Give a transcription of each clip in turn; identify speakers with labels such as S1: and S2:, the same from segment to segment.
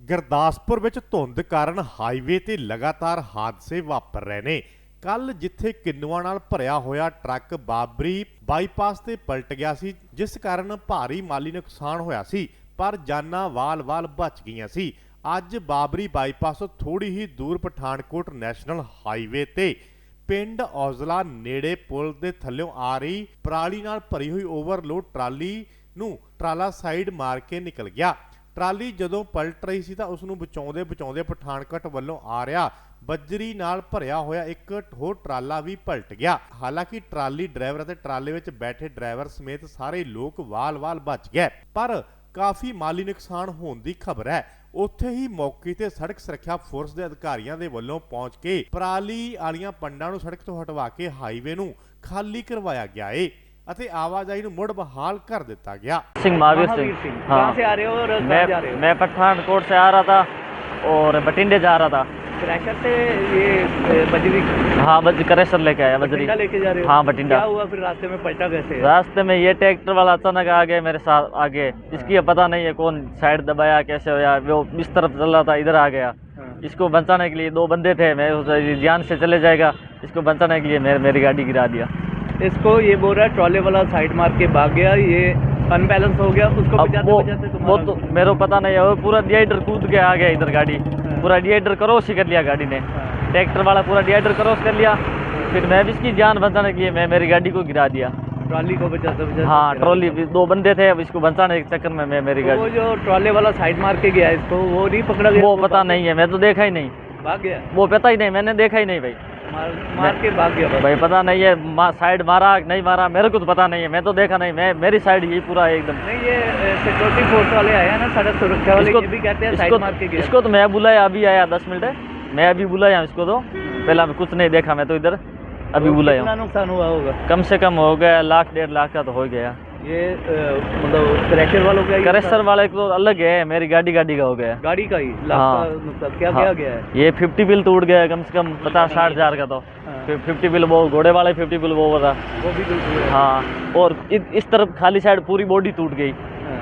S1: ਗੁਰਦਾਸਪੁਰ ਵਿੱਚ ਧੁੰਦ ਕਾਰਨ ਹਾਈਵੇ ਤੇ ਲਗਾਤਾਰ ਹਾਦਸੇ ਵਾਪਰ ਰਹੇ ਨੇ। ਕੱਲ ਜਿੱਥੇ ਕਿੰਨੂਆਂ ਨਾਲ ਭਰਿਆ ਹੋਇਆ ਟਰੱਕ ਬਾਬਰੀ ਬਾਈਪਾਸ ਤੇ ਪਲਟ ਗਿਆ ਸੀ, ਜਿਸ ਕਾਰਨ ਭਾਰੀ ਮਾਲੀ ਨੁਕਸਾਨ ਹੋਇਆ ਸੀ, ਪਰ ਜਾਨਾਂ ਵਾਲ-ਵਾਲ ਬਚ ਗਈਆਂ ਸੀ। ਅੱਜ ਬਾਬਰੀ ਬਾਈਪਾਸ ਤੋਂ ਥੋੜੀ ਹੀ ਦੂਰ ਪਠਾਨਕੋਟ ਨੈਸ਼ਨਲ ਹਾਈਵੇ ਤੇ ਪਿੰਡ ਔਜ਼ਲਾ ਨੇੜੇ ਪੁਲ ਦੇ ਥੱਲਿਓਂ ਆ ਰਹੀ ਪਰਾਲੀ ਨਾਲ ਭਰੀ ਹੋਈ ਓਵਰਲੋਡ ਟਰਾਲੀ ਨੂੰ ਟਰਾਲਾ ਸਾਈਡ ਮਾਰ ਕੇ ਨਿਕਲ ਗਿਆ। ਟਰਾਲੀ ਜਦੋਂ ਪਲਟ ਰਹੀ ਸੀ ਤਾਂ ਉਸ ਨੂੰ ਬਚਾਉਂਦੇ ਪਠਾਨਕੋਟ ਵੱਲੋਂ ਆ ਰਿਹਾ ਬੱਜਰੀ ਨਾਲ ਭਰਿਆ ਹੋਇਆ ਇੱਕ ਹੋਰ ਟਰਾਲਾ ਵੀ ਪਲਟ ਗਿਆ। ਹਾਲਾਂਕਿ ਟਰਾਲੀ ਡਰਾਈਵਰ ਅਤੇ ਟਰਾਲੇ ਵਿੱਚ ਬੈਠੇ ਡਰਾਈਵਰ ਸਮੇਤ ਸਾਰੇ ਲੋਕ ਵਾਲ-ਵਾਲ ਬਚ ਗਏ, ਪਰ ਕਾਫੀ ਮਾਲੀ ਨੁਕਸਾਨ ਹੋਣ ਦੀ ਖਬਰ ਹੈ। ਉੱਥੇ ਹੀ ਮੌਕੇ ਤੇ ਸੜਕ ਸੁਰੱਖਿਆ ਫੋਰਸ ਦੇ ਅਧਿਕਾਰੀਆਂ ਦੇ ਵੱਲੋਂ ਪਹੁੰਚ ਕੇ ਪਰਾਲੀ ਵਾਲੀਆਂ ਪੰਡਾਂ ਨੂੰ ਸੜਕ ਤੋਂ ਹਟਵਾ ਕੇ ਹਾਈਵੇ ਨੂੰ ਖਾਲੀ ਕਰਵਾਇਆ ਗਿਆ ਏ ਅਤੇ ਆਵਾਜਾਈ ਨੂੰ ਮੁੜ बहाल कर दिता गया।
S2: सिंह महावीर सिंह, हाँ।
S3: कहाँ से आ रहे हो और कहाँ जा रहे हो?
S2: मैं पठानकोट से आ रहा था और बठिंडे जा रहा था।
S3: क्रैशर से ये बजरी
S2: हाँ करेसर लेके आया बजरी।
S3: बठिंडा लेके जा रहे हो?
S2: हाँ बठिंडा।
S3: क्या हुआ फिर रास्ते में पलटा कैसे?
S2: रास्ते में ये ट्रैक्टर वाला अचानक आ गया मेरे साथ आगे, इसकी पता नहीं है कौन साइड दबाया कैसे होया, वो इस तरफ चल रहा था इधर आ गया। इसको बचाने के लिए दो बंदे थे, मैं जान से चले जाएगा, इसको बचाने के लिए मेरी गाड़ी गिरा दिया।
S3: इसको ये बोल रहा है ट्रॉले वाला साइड मार के भाग गया, ये अनबैलेंस हो गया, उसको
S2: वो तो मेरे को पता नहीं है, वो पूरा डिवाइडर कूद के आ गया इधर, गाड़ी पूरा डिवाइडर क्रॉस ही कर लिया गाड़ी ने। ट्रैक्टर वाला पूरा डिवाइडर क्रॉस कर लिया, फिर मैं भी इसकी जान बचाने के लिए मैं मेरी गाड़ी को गिरा दिया।
S3: ट्रॉली को बचाते
S2: हाँ ट्रॉली दो बंदे थे, अब इसको बचाने के चक्कर में मैं मेरी गाड़ी।
S3: वो जो ट्रॉले वाला साइड मार के गया इसको वो नहीं पकड़ा गया?
S2: वो पता नहीं है, मैं तो देखा ही नहीं।
S3: भाग गया?
S2: वो पता ही नहीं, मैंने देखा ही नहीं भाई।
S3: मार के भाग गया
S2: भाई, पता नहीं है साइड मारा नहीं मारा, मेरे को तो पता नहीं है, मैं तो देखा नहीं, मैं मेरी साइड यही पूरा एकदम।
S3: नहीं ये सिक्योरिटी फोर्स वाले आए हैं ना, सड़क सुरक्षा वाले, ये भी कहते हैं साइड मार के गया।
S2: इसको तो मैं बुलाया, अभी आया 10 मिनट है, मैं अभी बुलाया इसको, तो पहला मैं कुछ नहीं देखा, मैं तो इधर अभी बुलाया।
S3: कितना नुकसान हुआ होगा?
S2: कम से कम हो गया 1 लाख 1.5 लाख का तो हो गया।
S3: ये मतलब क्रैशर वालों का?
S2: क्रैशर वाले को तो अलग है, मेरी गाड़ी का हो गया।
S3: गाड़ी का ही लाख
S2: हाँ।
S3: का नुकसान क्या गया है?
S2: ये 50 बिल टूट गया कम से कम 50-60 हज़ार का, तो 50 बिल वो घोड़े वाले 50 बिल वो था,
S3: वो भी टूट गया।
S2: हाँ। और इस तरफ खाली साइड पूरी बॉडी टूट गई।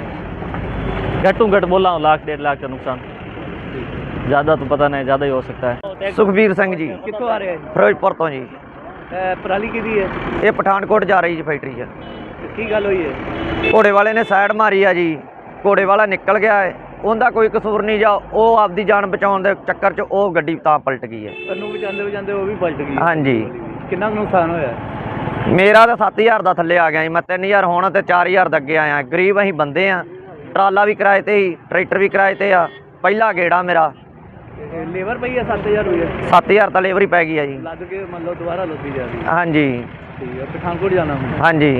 S2: घटू घट बोला हूँ 1 लाख 1.5 लाख का नुकसान, ज़्यादा तो पता नहीं, ज़्यादा ही हो सकता है।
S4: ਸੁਖਬੀਰ ਸਿੰਘ ਜੀ,
S3: कितों आ रहे हैं?
S4: ਫਿਰੋਜ਼ਪੁਰ ਤੋਂ ਜੀ।
S3: पराली की दी है?
S4: ਇਹ ਪਠਾਨਕੋਟ ਜਾ ਰਹੀ ਜੀ ਫੈਕਟਰੀ 'ਚ।
S3: की गल हुई है?
S4: ਘੋੜੇ ਵਾਲੇ ਨੇ ਸਾਈਡ ਮਾਰੀ ਆ ਜੀ, ਘੋੜੇ ਵਾਲਾ ਨਿਕਲ ਗਿਆ ਹੈ, ਉਹਦਾ ਕੋਈ ਕਸੂਰ ਨਹੀਂ, ਜਾ ਉਹ ਆਪਦੀ ਜਾਨ ਬਚਾਉਣ ਦੇ ਚੱਕਰ 'ਚ ਉਹ ਗੱਡੀ ਤਾਂ ਪਲਟ ਗਈ ਹੈ।
S3: ਕੰਨੂ ਬਚਾਉਂਦੇ ਉਹ ਵੀ ਪਲਟ ਗਈ?
S4: ਹਾਂਜੀ।
S3: ਕਿੰਨਾ ਕੁ ਨੁਕਸਾਨ ਹੋਇਆ?
S4: ਮੇਰਾ ਤਾਂ 7000 ਦਾ ਥੱਲੇ ਆ ਗਿਆ ਜੀ, ਮੈਂ 3000 ਹੋਣਾ ਤੇ 4000 ਦਾ ਅੱਗੇ ਆਇਆ। ਗਰੀਬ ਅਸੀਂ ਬੰਦੇ ਆ, ਟਰਾਲਾ ਵੀ ਕਿਰਾਏ ਤੇ ਹੀ, ਟਰੈਕਟਰ ਵੀ ਕਿਰਾਏ ਤੇ ਆ, ਪਹਿਲਾ ਗੇੜਾ ਮੇਰਾ।
S3: ਲੇਬਰ ਪਈ ਹੈ 7000 ਹੋਈ ਹੈ?
S4: 7000 ਤਾਂ ਲੇਬਰ ਹੀ ਪੈ ਗਈ ਆ ਜੀ।
S3: ਲੱਦ ਕੇ ਮੰਨ ਲਓ ਦੁਬਾਰਾ ਲੱਦੀ ਜਾ ਰਹੀ ਹੈ?
S4: ਹਾਂਜੀ
S3: ਠੀਕ ਹੈ। ਪਠਾਨਕੋਟ ਜਾਣਾ ਹੁਣ?
S4: ਹਾਂਜੀ।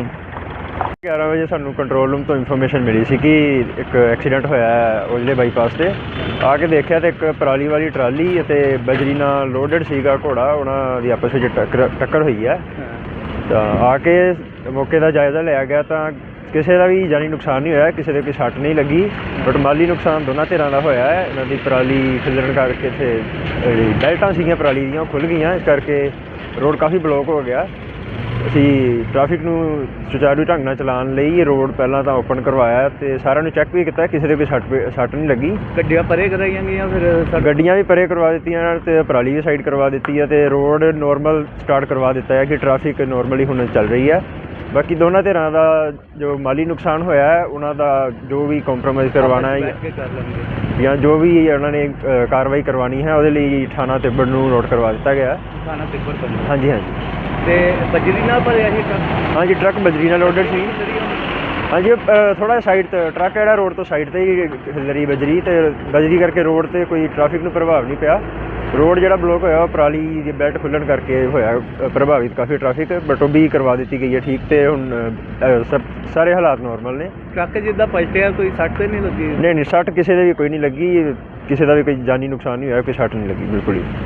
S5: 11 ਵਜੇ ਸਾਨੂੰ ਕੰਟਰੋਲ ਰੂਮ ਤੋਂ ਇਨਫੋਰਮੇਸ਼ਨ ਮਿਲੀ ਸੀ ਕਿ ਇੱਕ ਐਕਸੀਡੈਂਟ ਹੋਇਆ ਹੈ ਔਜਲੇ ਬਾਈਪਾਸ ਤੇ। ਆ ਕੇ ਦੇਖਿਆ ਤੇ ਇੱਕ ਪਰਾਲੀ ਵਾਲੀ ਟਰਾਲੀ ਅਤੇ ਬਜਰੀ ਨਾਲ ਲੋਡਡ ਸੀਗਾ ਘੋੜਾ, ਉਹਨਾਂ ਦੀ ਆਪਸ ਵਿੱਚ ਟੱਕਰ ਹੋਈ ਹੈ। ਤਾਂ ਆ ਕੇ ਮੌਕੇ ਦਾ ਜਾਇਜ਼ਾ ਲਿਆ ਗਿਆ ਤਾਂ ਕਿਸੇ ਦਾ ਵੀ ਜਾਨੀ ਨੁਕਸਾਨ ਨਹੀਂ ਹੋਇਆ, ਕਿਸੇ ਦੇ ਕੋਈ ਸੱਟ ਨਹੀਂ ਲੱਗੀ, ਬਟ ਮਾਲੀ ਨੁਕਸਾਨ ਦੋਨਾਂ ਧਿਰਾਂ ਦਾ ਹੋਇਆ ਹੈ। ਇਹਨਾਂ ਦੀ ਪਰਾਲੀ ਖਿਲਰਨ ਕਰਕੇ ਇੱਥੇ ਜਿਹੜੀ ਬੈਲਟਾਂ ਸੀਗੀਆਂ ਪਰਾਲੀ ਦੀਆਂ ਉਹ ਖੁੱਲ੍ਹ ਗਈਆਂ, ਇਸ ਕਰਕੇ ਰੋਡ ਕਾਫੀ ਬਲੋਕ ਹੋ ਗਿਆ। ਅਸੀਂ ਟ੍ਰੈਫਿਕ ਨੂੰ ਸੁਚਾਰੂ ਢੰਗ ਨਾਲ ਚਲਾਉਣ ਲਈ ਰੋਡ ਪਹਿਲਾਂ ਤਾਂ ਓਪਨ ਕਰਵਾਇਆ ਅਤੇ ਸਾਰਿਆਂ ਨੂੰ ਚੈੱਕ ਵੀ ਕੀਤਾ, ਕਿਸੇ ਦੇ ਕੋਈ ਸੱਟ ਨਹੀਂ ਲੱਗੀ।
S3: ਗੱਡੀਆਂ ਪਰੇ ਕਰਾਈਆਂ ਗਈਆਂ? ਫਿਰ
S5: ਗੱਡੀਆਂ ਵੀ ਪਰੇ ਕਰਵਾ ਦਿੱਤੀਆਂ ਅਤੇ ਪਰਾਲੀ ਵੀ ਸਾਈਡ ਕਰਵਾ ਦਿੱਤੀ ਹੈ ਅਤੇ ਰੋਡ ਨੋਰਮਲ ਸਟਾਰਟ ਕਰਵਾ ਦਿੱਤਾ ਹੈ ਕਿ ਟ੍ਰੈਫਿਕ ਨੋਰਮਲੀ ਹੁਣ ਚੱਲ ਰਹੀ ਹੈ। ਬਾਕੀ ਦੋਨਾਂ ਧਿਰਾਂ ਦਾ ਜੋ ਮਾਲੀ ਨੁਕਸਾਨ ਹੋਇਆ ਹੈ ਉਹਨਾਂ ਦਾ ਜੋ ਵੀ ਕੰਪਰੋਮਾਈਜ਼ ਕਰਵਾਉਣਾ ਹੈ ਜਾਂ ਜੋ ਵੀ ਉਹਨਾਂ ਨੇ ਕਾਰਵਾਈ ਕਰਵਾਉਣੀ ਹੈ ਉਹਦੇ ਲਈ ਥਾਣਾ ਤਿੱਬੜ ਨੂੰ ਨੋਟ ਕਰਵਾ ਦਿੱਤਾ ਗਿਆ।
S3: ਥਾਣਾ ਤਿੱਬੜ?
S5: ਹਾਂਜੀ ਹਾਂਜੀ।
S3: ਤੇ ਬਜਰੀ ਨਾਲ ਭਰਿਆ ਇਹ ਟਰੱਕ?
S5: ਹਾਂਜੀ ਟਰੱਕ ਬਜਰੀ ਨਾਲ ਲੋਡਡ ਸੀ। ਹਾਂਜੀ ਥੋੜ੍ਹਾ ਸਾਈਡ 'ਤੇ ਟਰੱਕ ਜਿਹੜਾ ਰੋਡ ਤੋਂ ਸਾਈਡ 'ਤੇ ਹੀ ਹਿੱਲਰੀ ਬਜਰੀ, ਅਤੇ ਬਜਰੀ ਕਰਕੇ ਰੋਡ 'ਤੇ ਕੋਈ ਟ੍ਰੈਫਿਕ ਨੂੰ ਪ੍ਰਭਾਵ ਨਹੀਂ ਪਿਆ। ਰੋਡ ਜਿਹੜਾ ਬਲੋਕ ਹੋਇਆ ਉਹ ਪਰਾਲੀ ਦੀ ਬੈਲਟ ਖੁੱਲ੍ਹਣ ਕਰਕੇ ਹੋਇਆ ਪ੍ਰਭਾਵਿਤ ਕਾਫੀ ਟ੍ਰੈਫਿਕ, ਬਟ ਉਹ ਵੀ ਕਰਵਾ ਦਿੱਤੀ ਗਈ ਹੈ ਠੀਕ, ਅਤੇ ਹੁਣ ਸਾਰੇ ਹਾਲਾਤ ਨੋਰਮਲ ਨੇ।
S3: ਟਰੱਕ ਜਿੱਦਾਂ ਪਲਟਿਆ ਕੋਈ ਸੱਟ ਤਾਂ ਨਹੀਂ ਲੱਗੀ?
S5: ਨਹੀਂ ਸੱਟ ਕਿਸੇ ਦੇ ਵੀ ਕੋਈ ਨਹੀਂ ਲੱਗੀ, ਕਿਸੇ ਦਾ ਵੀ ਕੋਈ ਜਾਨੀ ਨੁਕਸਾਨ ਨਹੀਂ ਹੋਇਆ, ਕੋਈ ਸੱਟ ਨਹੀਂ ਲੱਗੀ ਬਿਲਕੁਲ ਹੀ।